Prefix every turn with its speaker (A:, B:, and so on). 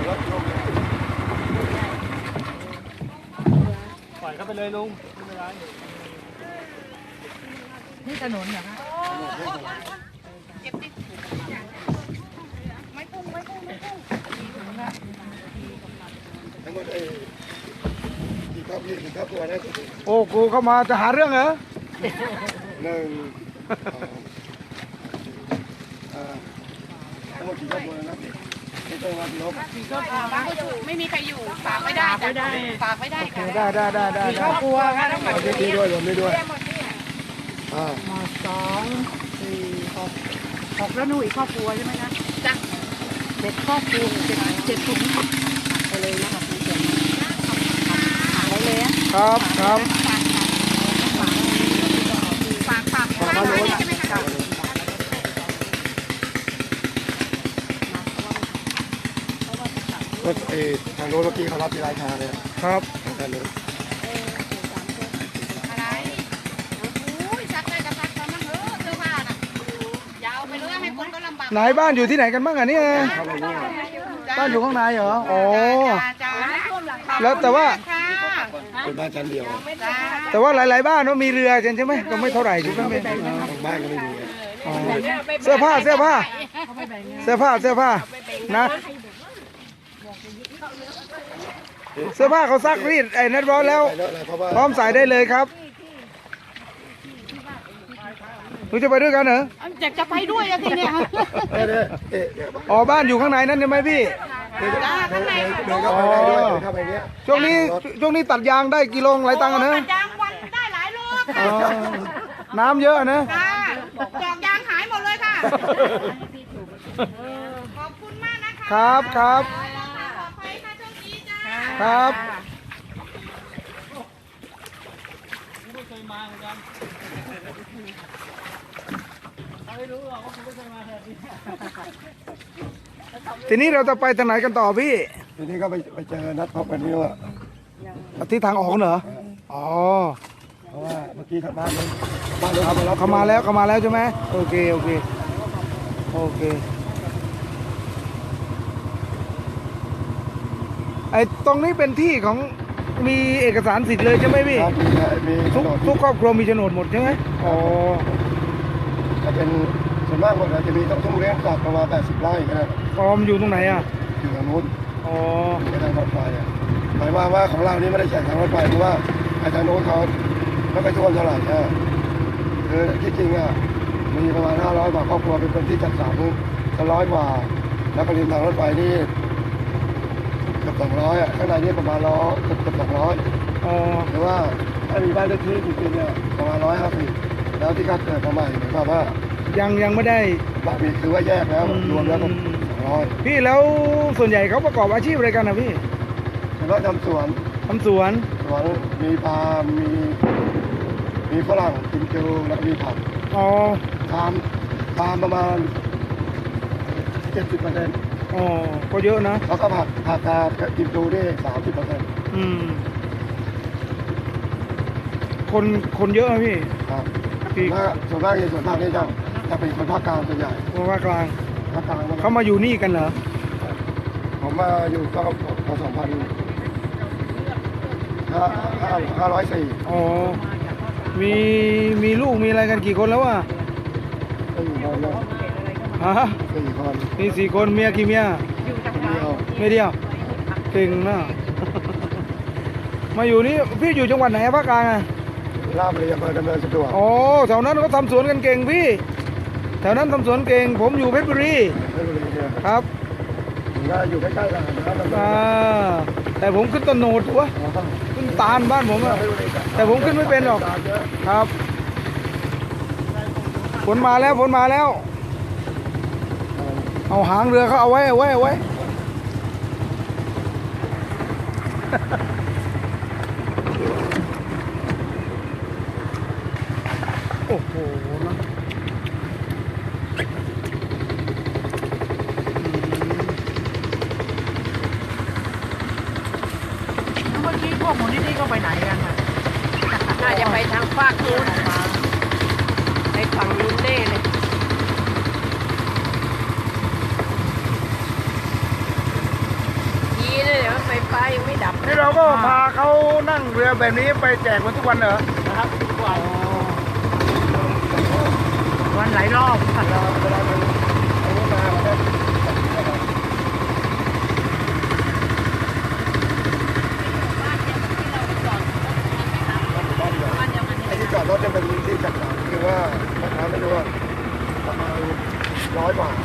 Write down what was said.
A: ปล่อยเข้าไปเลยลุงไม่เป็นไรนี่ถนนเหรอคะเก็บดิไม่พุ่งทั้งหมดกี่ครอบกี่ครอบครัวนะโอ้กูเข้ามาจะหาเรื่องเหรอ1 2ทั้งหมดกี่ครอบครัวนะไม่ต้องมากี่ครอบ
B: ไม่มีใครอยู่ฝากไม่ได้ฝากไม่ได้ค่ะ
A: ได้
B: ครอบครัวค่ะทั้งหมด
A: นี้ด้วยรวมด้วย
B: มา2 4 6แล้วหนูอีกครอบครัวใช่ไหมคะจ้ะ7 ครอบครัว7ถุงไปเลยนะคะไปเลย
A: ครับ
B: ฝากมาเลยใช่ไหมคะ
A: ก็ทางโน้นเมื่อกี้เขารับที่ร้านค้าเลยครับทางโน้น
B: อะไรโอ้ยซักได้ก็ซักตอนนั้นเถอะเสื้อผ้าน่ะยาวไปเลยให้คนก็ลำบาก
A: ไหนบ้านอยู่ที่ไหนกันบ้างอ่ะเนี่ยบ้านอยู่ข้างในเหรออ๋อแล้วแต่ว่าเป็นบ้านชั้นเดียวแต่ว่าหลายๆบ้านมีเรือใช่ไหมก็ไม่เท่าไหร่ถูกไหมบ้านก็ไม่มีเสื้อผ้านะเสื้อผ้าเขาซักรีดนัดร้อนแล้วพร้อมใส่ได้เลยครับหนูจะไปด้วยกันเหรอ
B: จะไปด้วยอะทีเนี้ย
A: อ๋อบ้านอยู่ข้างในนั่นใช่ไหมพี่
B: ข้างใน
A: ช่วงนี้ตัดยางได้กิโลหลายตังค์นะ
B: ตัดยางวันได้หลายโล
A: น้ำเยอะนะ
B: จอกยางหายหมดเลยค่ะขอบคุณมากนะคะ
A: ครับครับไม่เคยมาเหมือนกันไม่รู้หรอกว่าคุณไม่เคยมาแบบนี้ทีนี้เราจะไปทางไหนกันต่อพี่ทีนี้ก็ไปเจอนัดพบกันนี่ว่าที่ทางออกเหรออ๋อเพราะว่าเมื่อกี้บ้านเขามาแล้วใช่ไหมโอเคตรงนี้เป็นที่ของมีเอกสารสิทธิ์เลยใช่ไหมพี่มีทุกครอบครัวมีโฉนดหมดใช่ไหมอ๋อจะเป็นส่วนมากหมดจะมีต้องเลี้ยงสัตว์ประมาณ80 ไร่นะฟอร์มอยู่ตรงไหนอ่ะอยู่ตรงนู้นอ๋อในทางรถไฟหมายว่าของเรานี่ไม่ได้แข่งทางรถไฟเพราะว่าทางโน้นเขาไม่ไปท่วมเท่าไหร่คือที่จริงอ่ะมีประมาณ500 กว่าครอบครัวเป็นคนที่จัดสรร100 กว่าแล้วก็ริมทางรถไฟนี่เกือบ200ข้างในนี่ประมาณเกือบ200หรือว่าถ้ามีบ้านเลขที่จริงๆเนี่ยประมาณ150แล้วที่เขาเกิดมาใหม่หมายความว่ายังไม่ได้บ้านมีคือว่าแยกแล้วรวมแล้วก็200พี่แล้วส่วนใหญ่เขาประกอบอาชีพอะไรกันนะพี่ก็ทำสวนมีปาล์มมีฝรั่งกิมจูแล้วมีผักทำประมาณ 70%ก็เยอะนะแล้วก็ผักกาดกิมจูได้ 30%คนเยอะไหมพี่ครับส่วนมากนี่จะเป็นคนภาคกลางส่วนใหญ่ภาคกลางเขามาอยู่นี่กันเหรอผมมาอยู่ก็พอ2,504อ๋อมีลูกมีอะไรกันกี่คนแล้วอ่ะ4 คนแล้ว4 คนมี4 คนเมียกี่เมียเดียวเก่งนะมาอยู่นี่พี่อยู่จังหวัดไหนภาคกลางอ่ะราชบุรีอำเภอดำเนินสะดวกอ๋อแถวนั้นเขาทำสวนกันเก่งพี่แถวนั้นทำสวนเก่งผมอยู่เพชรบุรีครับอยู่ใกล้ๆกันแต่ผมขึ้นต้นโหนดวะขึ้นตาลบ้านผมอะแต่ผมขึ้นไม่เป็นหรอกครับฝนมาแล้วเอาหางเรือเขาเอาไว้โอ้โหนะ
B: เมื่อกี้พวกมูลนิธิก็ไปไหนกันน่ะน่าจะไปทางภาคนู้นไปฝั่งนู้นแน่เลย
A: เก็พาเขานั่งเรือแบบนี้ไปแจกมันทุกวันเหรอ
C: นะครับทุกวัน
B: วันหลายรอบค่ะ
A: เวลามันอันนี้มามันก็ไอ้ที่จอดรถจะเป็นที่จัดสรรคือว่าราคาไม่รู้ว่าประมาณ100 บาท